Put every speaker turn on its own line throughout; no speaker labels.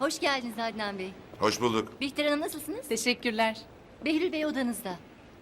Hoş geldiniz Adnan Bey.
Hoş bulduk.
Bihter Hanım nasılsınız?
Teşekkürler.
Behlül Bey odanızda.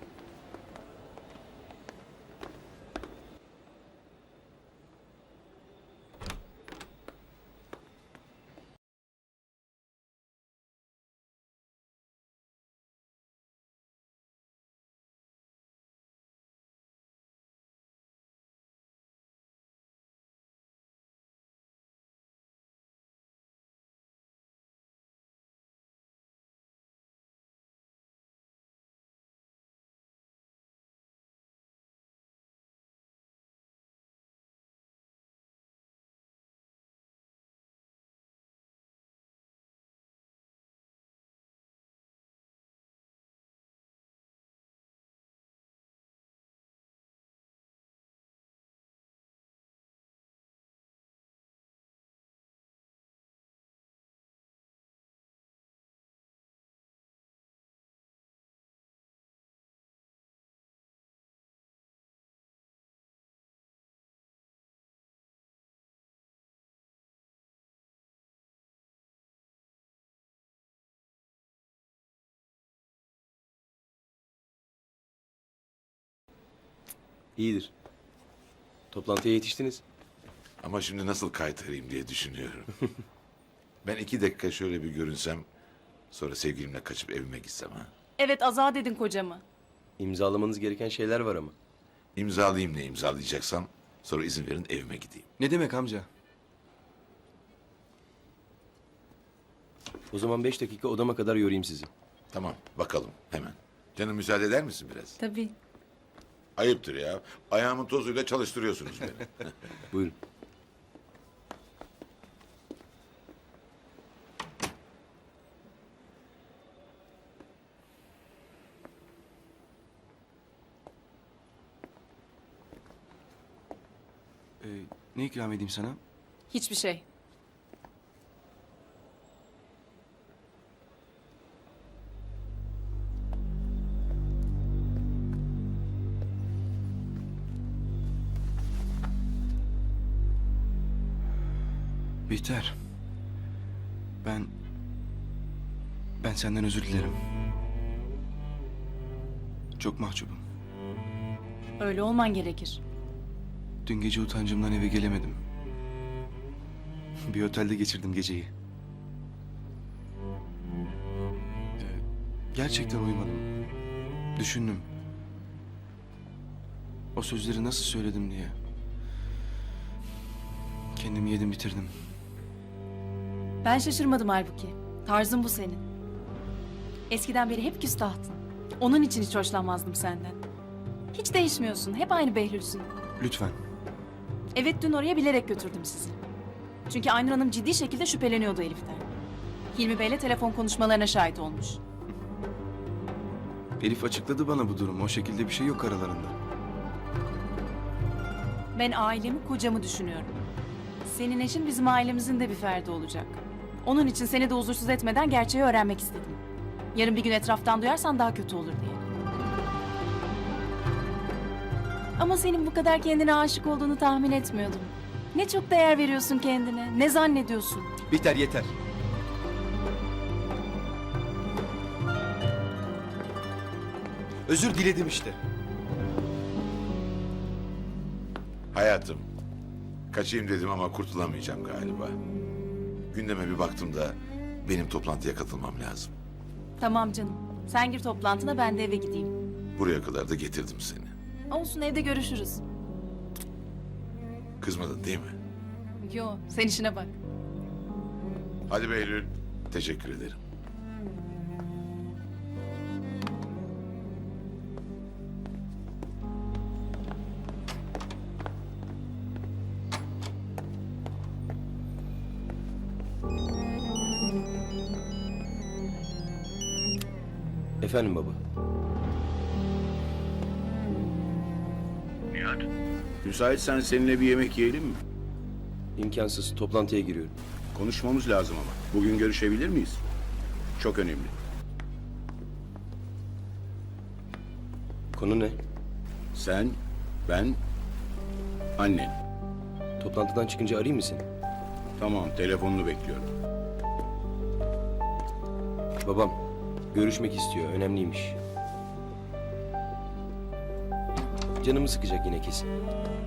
İyidir. Toplantıya yetiştiniz.
Ama şimdi nasıl kaytarayım diye düşünüyorum. Ben 2 dakika şöyle bir görünsem... ...sonra sevgilimle kaçıp evime gitsem ha.
Evet, azat edin kocamı.
İmzalamanız gereken şeyler var ama.
İmzalayayım ne imzalayacaksam... ...sonra izin verin evime gideyim.
Ne demek amca?
O zaman 5 dakika odama kadar yorayım sizi.
Tamam bakalım hemen. Canım müsaade eder misin biraz?
Tabii.
Ayıptır ya. Ayağımın tozuyla çalıştırıyorsunuz beni.
Buyurun.
Ne ikram edeyim sana?
Hiçbir şey.
Bihter. Ben senden özür dilerim. Çok mahcubum.
Öyle olman gerekir.
Dün gece utancımdan eve gelemedim. Bir otelde geçirdim geceyi. Gerçekten uyumadım. Düşündüm. O sözleri nasıl söyledim diye. Kendimi yedim bitirdim.
Ben şaşırmadım halbuki. Tarzın bu senin. Eskiden beri hep küstahtın. Onun için hiç hoşlanmazdım senden. Hiç değişmiyorsun. Hep aynı Behlül'sün.
Lütfen.
Evet, dün oraya bilerek götürdüm sizi. Çünkü Aynur Hanım ciddi şekilde şüpheleniyordu Elif'ten. Hilmi Bey'le telefon konuşmalarına şahit olmuş.
Elif açıkladı bana bu durumu. O şekilde bir şey yok aralarında.
Ben ailemi, kocamı düşünüyorum. Senin eşin bizim ailemizin de bir ferdi olacak. Onun için seni de huzursuz etmeden gerçeği öğrenmek istedim. Yarın bir gün etraftan duyarsan daha kötü olur diye. Ama senin bu kadar kendine aşık olduğunu tahmin etmiyordum. Ne çok değer veriyorsun kendine, ne zannediyorsun?
Bihter yeter. Özür diledim işte.
Hayatım. Kaçayım dedim ama kurtulamayacağım galiba. Gündeme bir baktım da... ...benim toplantıya katılmam lazım.
Tamam canım, sen gir toplantına, ben de eve gideyim.
Buraya kadar da getirdim seni.
Olsun, evde görüşürüz.
Kızmadın değil mi?
Yo, sen işine bak.
Hadi Behlül. Teşekkür ederim.
Efendim baba.
Nihat, müsaitsen seninle bir yemek yiyelim mi?
İmkansız. Toplantıya giriyorum.
Konuşmamız lazım ama. Bugün görüşebilir miyiz? Çok önemli.
Konu ne?
Sen, ben, annen.
Toplantıdan çıkınca arayayım mı seni?
Tamam, telefonunu bekliyorum.
Babam görüşmek istiyor. Önemliymiş. Canımı sıkacak yine kesin.